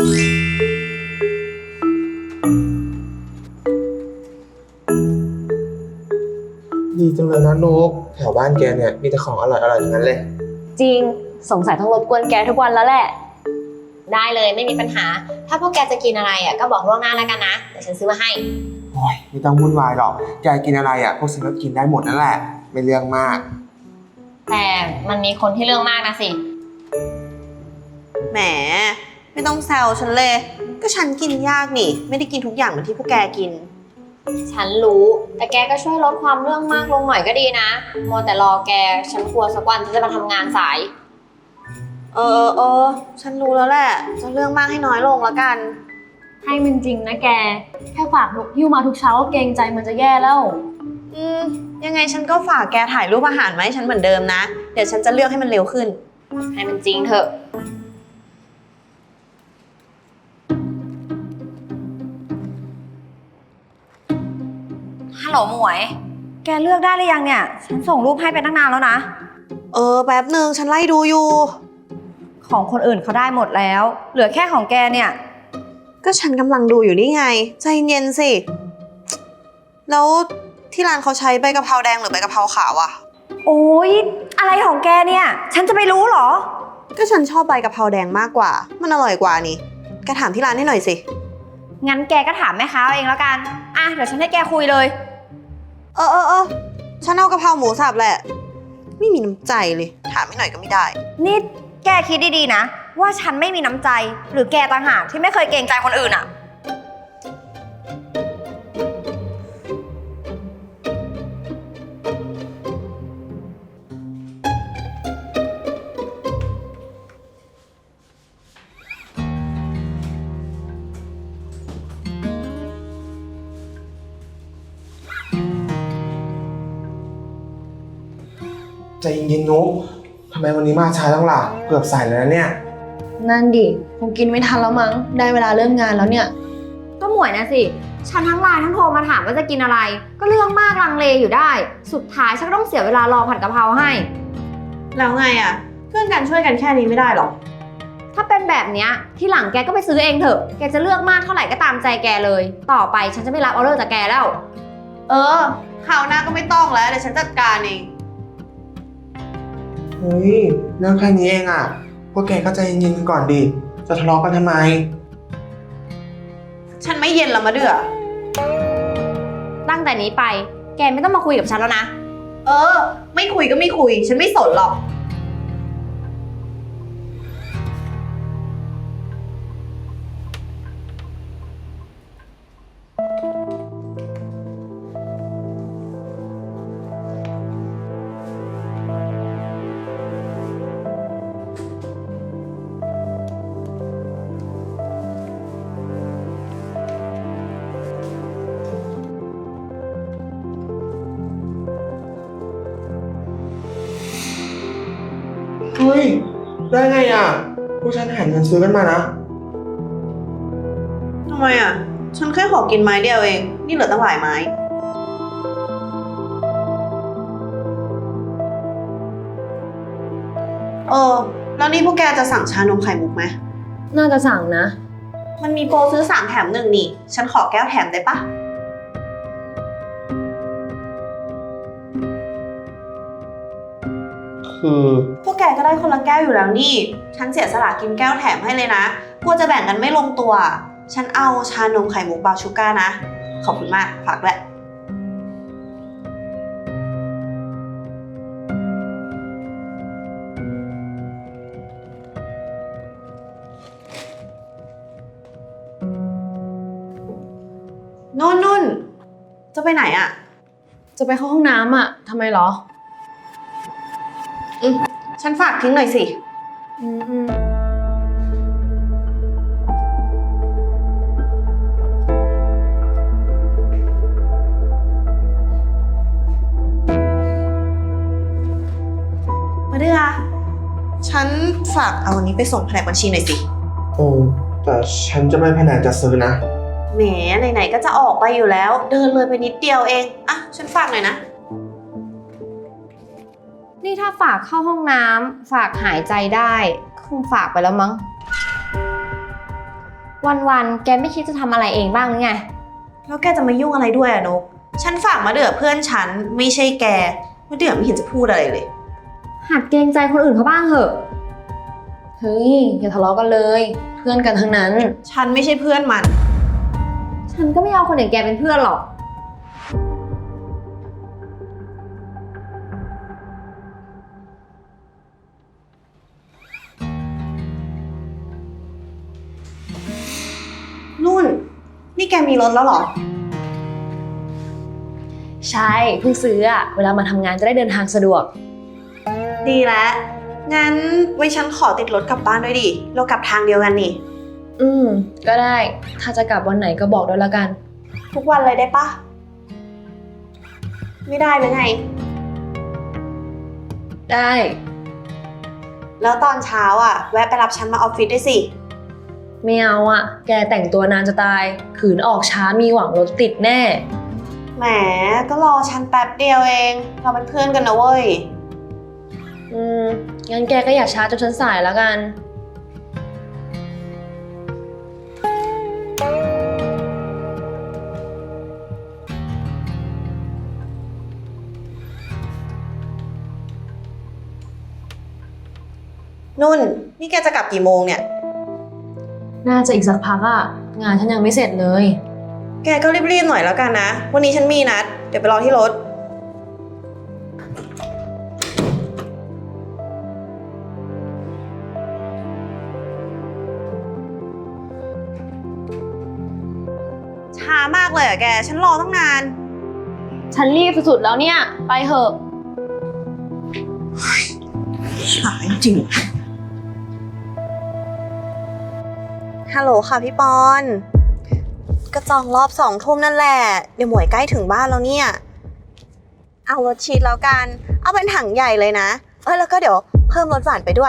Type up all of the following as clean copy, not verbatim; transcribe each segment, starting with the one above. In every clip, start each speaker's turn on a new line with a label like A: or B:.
A: ดีจังเลยนะนุกแถวบ้านแกเนี่ยมีแต่ของอร่อยๆทั้งนั้นเลย
B: จริงสงสัยต้องรบกวนแกทุกวันแล้วแหละ
C: ได้เลยไม่มีปัญหาถ้าพวกแกจะกินอะไรอ่ะก็บอกล่วงหน้าแล้วกันนะเดี๋ยวฉันซื้อมาให้
A: โอ้ยไม่ต้องวุ่นวายหรอกแกกินอะไรอ่ะพวกฉันก็กินได้หมดนั่นแหละไม่เรื่องมาก
C: แต่มันมีคนที่เรื่องมากนะสิ
D: แหมไม่ต้องแซวฉันเลยก็ฉันกินยากนี่ไม่ได้กินทุกอย่างเหมือนที่พวกแกกิน
C: ฉันรู้แต่แกก็ช่วยลดความเรื่องมากลงหน่อยก็ดีนะมัวแต่รอแกฉันกลัวสักวันฉันจะมาทำงานสาย
D: ฉันรู้แล้วแหละจะเรื่องมากให้น้อยลงแล้วกัน
B: ให้มันจริงนะแกแค่ฝากนกหิ้วมาทุกเช้าก็เกรงใจมันจะแย่แล้ว
D: ยังไงฉันก็ฝากแกถ่ายรูปอาหารมาให้ฉันเหมือนเดิมนะเดี๋ยวฉันจะเลือกให้มันเร็วขึ้น
C: ให้มันจริงเถอะ
E: ฮัลโหลหมวยแกเลือกได้หรือยังเนี่ยฉันส่งรูปให้ไปตั้งนานแล้วนะ
D: แป๊บนึงฉันไล่ดูอยู่
E: ของคนอื่นเขาได้หมดแล้วเหลือแค่ของแกเนี่ย
D: ก็ฉันกำลังดูอยู่นี่ไงใจเย็นสิแล้วที่ร้านเขาใช้ใบกะเพราแดงหรือใบกะเพราขาวอะ
E: โอ๊ยอะไรของแกเนี่ยฉันจะไปรู้เหรอ
D: ก็ฉันชอบใบกะเพราแดงมากกว่ามันอร่อยกว่านี่แกถามที่ร้านให้หน่อยสิ
E: งั้นแกก็ถามแม่ค้าเองแล้วกันเดี๋ยวฉันให้แกคุยเลย
D: ฉันเอากะเพราหมูสับแหละไม่มีน้ำใจเลยถามให้หน่อยก็ไม่ได้
E: นี่แกคิดดีๆนะว่าฉันไม่มีน้ำใจหรือแกต่างหากที่ไม่เคยเกรงใจคนอื่นอะ
A: ใจเย็นๆนุกทำไมวันนี้มาช้าจังล่ะเกือบสายแล้วนะเนี่ย
B: นั่นดิคงกินไม่ทันแล้วมั้งได้เวลาเริ่มงานแล้วเนี่ย
E: ก็หมวยนะสิฉันทั้งไลน์ทั้งโทรมาถามว่าจะกินอะไรก็เรื่องมากลังเลอยู่ได้สุดท้ายฉันก็ต้องเสียเวลารอผัดกะเพราให้
D: แล้วไงอะเพื่อนกันช่วยกันแค่นี้ไม่ได้หรอ
E: ถ้าเป็นแบบเนี้ยที่หลังแกก็ไปซื้อเองเถอะแกจะเลือกมากเท่าไหร่ก็ตามใจแกเลยต่อไปฉันจะไม่รับออเดอร์จากแกแล้ว
D: คราวหน้าก็ไม่ต้องแล้วเดี๋ยวฉันจัดการเอง
A: เฮ้ยเรื่องแค่นี้เองอ่ะพวกแกก็ใจเย็นๆกันก่อนดิจะทะเลาะกันทำไม
D: ฉันไม่เย็นแล้วมาเดือ
E: ตั้งแต่นี้ไปแกไม่ต้องมาคุยกับฉันแล้วนะ
D: ไม่คุยก็ไม่คุยฉันไม่สนหรอก
A: เฮ้ยได้ไงอ่ะพวกฉันหาเงินซื้อกันมานะ
D: ทำไมอ่ะฉันแค่ขอกินไม้เดียวเองนี่เหลือตั้งหลายไม้แล้วนี่พวกแกจะสั่งชานมไข่มุกไหม
B: น่าจะสั่งนะ
D: มันมีโปรซื้อ3 แถม 1นี่ฉันขอแก้วแถมได้ปะพวกแกก็ได้คนละแก้วอยู่แล้วนี่ฉันเสียสละกินแก้วแถมให้เลยนะกลัวจะแบ่งกันไม่ลงตัวฉันเอาชานมไข่มุกบราวน์ชูการ์นะขอบคุณมากฝากด้วยนุ่นจะไปไหนอ่ะ
B: จะไปเข้าห้องน้ำอ่ะทำไมเหรอ
D: ฉันฝากทิ้งหน่อยสิมาเดือฉันฝากเอาอันนี้ไปส่งแผนกบัญชีหน่อยสิ
A: แต่ฉันจะไม่แผนกจัดซื้อนะ
D: แหมไหนๆก็จะออกไปอยู่แล้วเดินเลยไปนิดเดียวเองฉันฝากหน่อยนะ
E: นี่ถ้าฝากเข้าห้องน้ำฝากหายใจได้คงฝากไปแล้วมั้งวันๆแกไม่คิดจะทำอะไรเองบ้างหรือไง
D: แล้วแกจะมายุ่งอะไรด้วยอะนก ฉันฝากมาเดือเพื่อนฉันไม่ใช่แกมาเดือไม่เห็นจะพูดอะไรเลย
E: หัดเกรงใจคนอื่นเขาบ้างเถอะ
B: เฮ้ยอย่าทะเลาะกันเลย เพื่อนกันทั้งนั้น
D: ฉันไม่ใช่เพื่อนมัน
E: ฉันก็ไม่เอาคนอย่างแกเป็นเพื่อนหรอก
D: นุ่น นี่แกมีรถแล้วเหรอ
B: ใช่เพิ่งซื้ออะเวลามาทำงานจะได้เดินทางสะดวก
D: ดีแล้ว งั้นไว้ฉันขอติดรถกลับบ้านด้วยดิ เรากลับทางเดียวกันนี่
B: ก็ได้ ถ้าจะกลับวันไหนก็บอกด้วยละกัน
D: ทุกวันเลยได้ปะ ไม่ได้หรือไง
B: ได้
D: แล้วตอนเช้าอ่ะ แวะไปรับฉันมาออฟฟิศด้วยสิ
B: ไม่เอาอะแกแต่งตัวนานจะตาย ขืนออกช้ามีหวังรถติดแน่
D: แหม ก็รอฉันแป๊บเดียวเอง เราเป็นเพื่อนกันนะเว้ย
B: งั้นแกก็อย่าช้าจนฉันสายแล้วกัน
D: นุ่น นี่แกจะกลับกี่โมงเนี่ย
B: น่าจะอีกสักพักอะงานฉันยังไม่เสร็จเลย
D: แกก็รีบๆหน่อยแล้วกันนะ วันนี้ฉันมีนัด เดี๋ยวไปรอที่รถ ช้ามากเลยอะแก ฉันรอตั้งนาน
B: ฉันรีบสุดๆแล้วเนี่ย ไปเถอะ
D: ช้าจริง ฮัลโหลค่ะพี่ปอน ก็จองรอบ2 ทุ่มนั่นแหละ เดี๋ยวหมวยใกล้ถึงบ้านแล้วเนี่ย เอารสชีสแล้วกัน เอาเป็นถังใหญ่เลยนะ แล้วก็เดี๋ยวเพิ่มรสหวานไปด้วย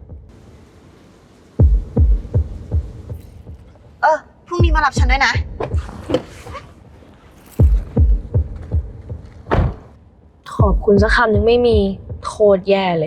D: พรุ่งนี้มารับฉันด้วยนะ
B: ขอบคุณสักคำยังไม่มีโคตรแย่เลย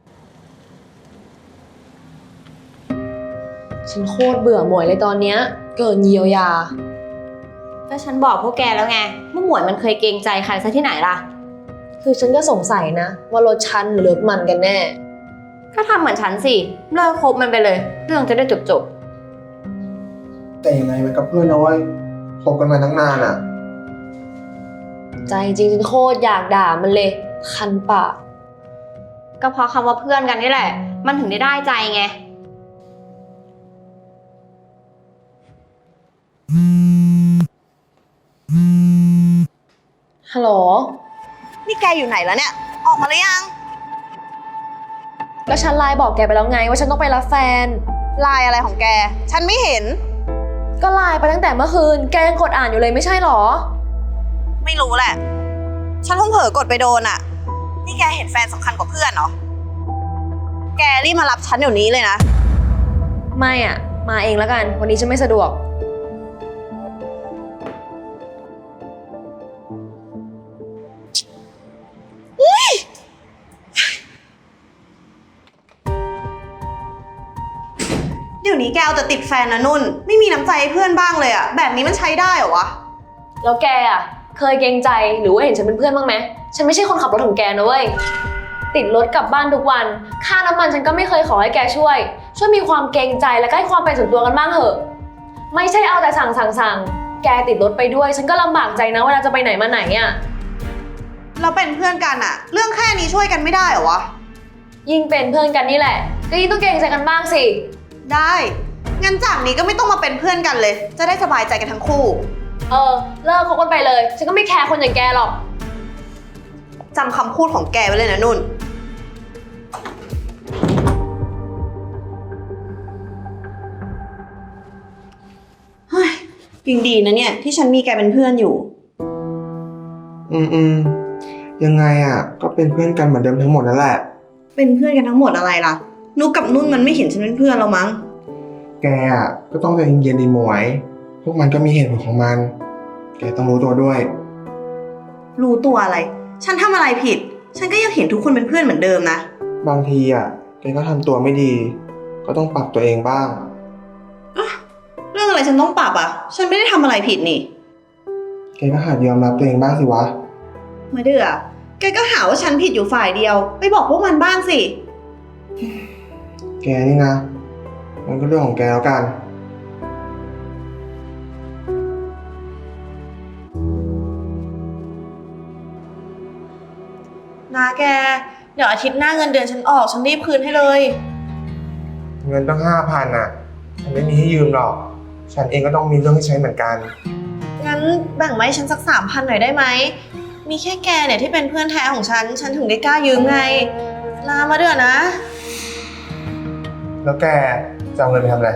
B: ฉันโคตรเบื่อหมวยเลยตอนเนี้ย เกินเยียวยา
E: ก็ฉันบอกพวกแกแล้วไงว่าหมวยมันเคยเกรงใจใครซะที่ไหนล่ะ
B: คือฉันก็สงสัยนะ ว่ารถฉันหรือรถมันกันแน่
E: ก็ทำเหมือนฉันสิ เลิกคบมันไปเลย เรื่องจะได้จบ
A: แต่ยังไงมันกับเพื่อนนะเว้ยคบกันมาตั้งนานอ่ะ
B: ใจจริงฉันโคตรอยากด่ามันเลย คันปาก
E: ๆ ก็เพราะคำว่าเพื่อนกันนี่แหละ มันถึงได้ใจไง
B: ฮัลโหล
D: นี่แกอยู่ไหนแล้วเนี่ย ออกมาหรือยัง
B: ก็ฉันไลน์บอกแกไปแล้วไงว่าฉันต้องไปรับแฟน
D: ไลน์อะไรของแก ฉันไม่เห็น
B: ก็ไลน์ไปตั้งแต่เมื่อคืน แกยังกดอ่านอยู่เลยไม่ใช่หรอ
D: ไม่รู้แหละ ฉันเพิ่งเผลอกดไปโดนอ่ะ นี่แกเห็นแฟนสำคัญกว่าเพื่อนเหรอ แกรีบมารับฉันเดี๋ยวนี้เลยนะ
B: ไม่อ่ะ มาเองแล้วกัน วันนี้ฉันไม่สะดวก
D: เดี๋ยวนี้แกเอาแต่ติดแฟนนะนุ่น ไม่มีน้ำใจให้เพื่อนบ้างเลยอะแบบนี้มันใช้ได้เหรอวะ
B: แล้วแกอ่ะ เคยเกรงใจหรือว่าเห็นฉันเป็นเพื่อนบ้างไหม ฉันไม่ใช่คนขับรถของแกนะเว้ย ติดรถกลับบ้านทุกวัน ค่าน้ำมันฉันก็ไม่เคยขอให้แกช่วย ช่วยมีความเกรงใจและก็ให้ความเป็นส่วนตัวกันบ้างเถอะ ไม่ใช่เอาแต่สั่ง แกติดรถไปด้วย ฉันก็ลำบากใจนะเวลาจะไปไหนมาไหนอ่ะ
D: เราเป็นเพื่อนกันอะเรื่องแค่นี้ช่วยกันไม่ได้เหรอวะ
B: ยิ่งเป็นเพื่อนกันนี่แหละ ก็ยิ่งต้องเกรงใจกันบ้างสิ
D: ได้ งั้นจากนี้ก็ไม่ต้องมาเป็นเพื่อนกันเลย จะได้สบายใจกันทั้งคู่
B: เลิกคบกันไปเลย ฉันก็ไม่แคร์คนอย่างแกหรอก
D: จำคำพูดของแกไว้เลยนะนุ่น เฮ้ยยังดีนะเนี่ย ที่ฉันมีแกเป็นเพื่อนอยู่
A: ยังไงอ่ะ ก็เป็นเพื่อนกันเหมือนเดิมทั้งหมดนั่นแหละ
D: เป็นเพื่อนกันทั้งหมดอะไรล่ะ นุกกับนุ่นมันไม่เห็นฉันเป็นเพื่อนเรามั้ง
A: แกอ่ะก็ต้องใจเย็นๆดีหมวย พวกมันก็มีเหตุผลของมัน แกต้องรู้ตัวด้วย
D: รู้ตัวอะไร ฉันทำอะไรผิด ฉันก็ยังเห็นทุกคนเป็นเพื่อนเหมือนเดิมนะ
A: บางทีอ่ะแกก็ทำตัวไม่ดี ก็ต้องปรับตัวเองบ้าง
D: เรื่องอะไรฉันต้องปรับอ่ะ ฉันไม่ได้ทำอะไรผิดนี่
A: แกก็หัดยอมรับตัวเองบ้างสิวะ
D: มาเดือแกก็หาว่าฉันผิดอยู่ฝ่ายเดียว ไปบอกพวกมันบ้างสิ
A: แกนี่นะ มันก็เรื่องของแกแล้วกัน
D: นะแก เดี๋ยวอาทิตย์หน้าเงินเดือนฉันออกฉันรีบคืนให้เลย
A: เงินตั้ง5,000อ่ะ ฉันไม่มีให้ยืมหรอก ฉันเองก็ต้องมีเรื่องให้ใช้เหมือนกัน
D: งั้นแบ่งมาให้ฉันสัก3,000หน่อยได้ไหม มีแค่แกเนี่ยที่เป็นเพื่อนแท้ของฉัน ฉันถึงได้กล้ายืมไงนะมาเดือนะ
A: แล้วแกจะเอาเงินไปทำอะไร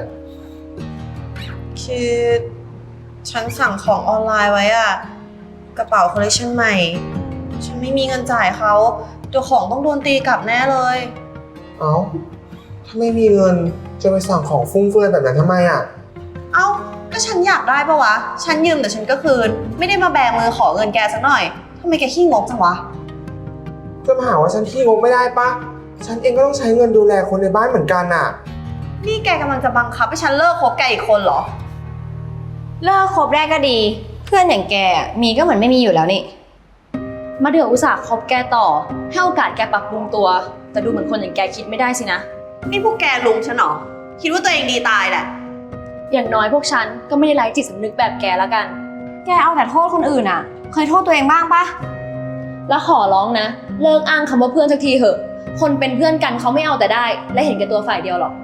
D: คือฉันสั่งของออนไลน์ไว้อะกระเป๋าคอลเลคชันใหม่ ฉันไม่มีเงินจ่ายเขาเดี๋ยวของต้องโดนตีกลับแน่เลย
A: เอ้า ถ้าไม่มีเงินจะไปสั่งของฟุ่มเฟือยแบบนั้นทำไมอ่ะ
D: เอ้าก็ฉันอยากได้ปะวะ ฉันยืมแต่ฉันก็คืน ไม่ได้มาแบมือขอเงินแกสักหน่อยทำไมแกขี้งกจังวะ
A: จะมาหาว่าฉันขี้งกไม่ได้ปะ ฉันเองก็ต้องใช้เงินดูแลคนในบ้านเหมือนกันน่ะ
D: นี่แกกำลังจะบังคับให้ฉันเลิกคบแกอีกคนเหรอ
E: เลิกคบได้ก็ดี เพื่อนอย่างแกมีก็เหมือนไม่มีอยู่แล้วนี่
B: มาเดืออุตส่าห์คบแกต่อ ให้โอกาสแกปรับปรุงตัว แต่ดูเหมือนคนอย่างแกคิดไม่ได้สินะ
D: นี่พวกแกลุมฉันเหรอ คิดว่าตัวเองดีตายแหละ
B: อย่างน้อยพวกฉันก็ไม่ได้ไร้จิตสำนึกแบบแกแล้วกัน
E: แกเอาแต่โทษคนอื่นอะเคยโทษตัวเองบ้างปะ
B: แล้วขอร้องนะ เลิกอ้างคำว่าเพื่อนสักทีเถอะ คนเป็นเพื่อนกันเขาไม่เอาแต่ได้ และเห็นแก่ตัวฝ่ายเดียวหรอก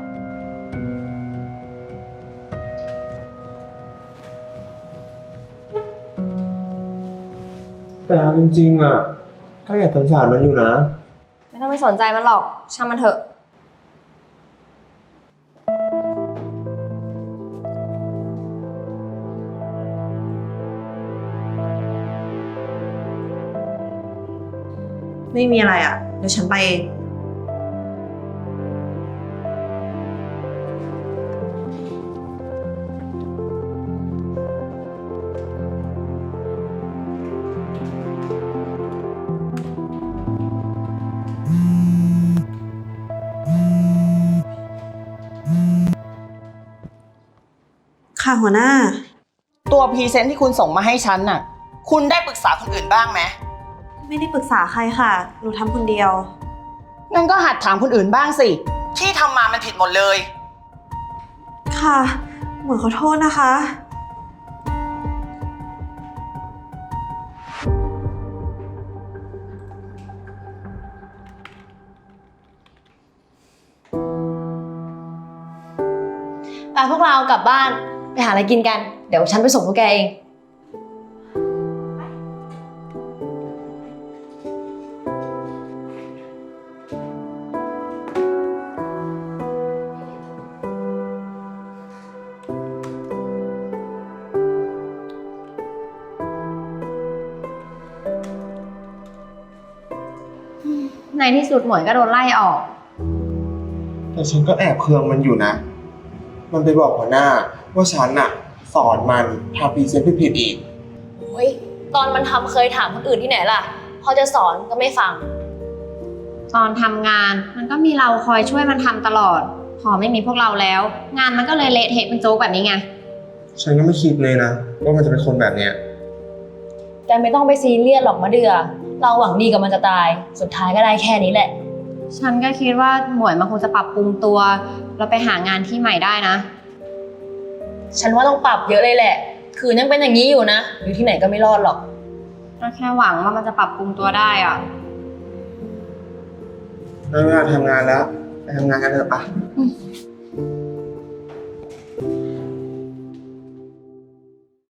A: แต่จริงๆอ่ะก็อยากสงสารมันอยู่นะ
E: ไม่ต้องไปสนใจมันหรอกช่างมันเถอะ
D: ไม่มีอะไรอ่ะ เดี๋ยวฉันไปเอง ค่ะหัวหน้า
F: ตัวพรีเซนต์ที่คุณส่งมาให้ฉันน่ะ คุณได้ปรึกษาคนอื่นบ้างไหม
D: ไม่ได้ปรึกษาใครค่ะ หนูทำคนเดียว
F: งั้นก็หัดถามคนอื่นบ้างสิ ที่ทำมามันผิดหมดเลย
D: ค่ะ หมวยขอโทษนะคะ
B: ไปพวกเรากลับบ้านไปหาอะไรกินกัน เดี๋ยวฉันไปส่งพวกแกเอง
E: ในที่สุดหมวยก็โดนไล่ออก
A: แต่ฉันก็แอบเคืองมันอยู่นะ มันไปบอกหัวหน้าว่าฉันน่ะสอนมันทำพรีเซนต์ผิดๆอีก
B: โอ้ยตอนมันทำเคยถามคนอื่นที่ไหนล่ะ พอจะสอนก็ไม่ฟัง
E: ตอนทำงานมันก็มีเราคอยช่วยมันทำตลอด พอไม่มีพวกเราแล้ว งานมันก็เลยเละเทะเป็นโจ๊กแบบนี้ไง
A: ฉันก็ไม่คิดเลยนะว่ามันจะเป็นคนแบบเนี้ย
B: แกไม่ต้องไปซีเรียสหรอกมะเดือ เราหวังดีกับมันจะตาย สุดท้ายก็ได้แค่นี้แหละ
E: ฉันก็คิดว่าหมวยมันคงจะปรับปรุงตัว แล้วไปหางานที่ใหม่ได้นะ
B: ฉันว่าต้องปรับเยอะเลยแหละ คือยังเป็นอย่างนี้อยู่นะ อยู่ที่ไหนก็ไม่รอดหรอก
E: ก็แค่หวังว่ามันจะปรับปรุงตัวได้อะ
A: ได้เวลาทำงานแล้ว ไปทำงานกันเถอะปะ
E: อืม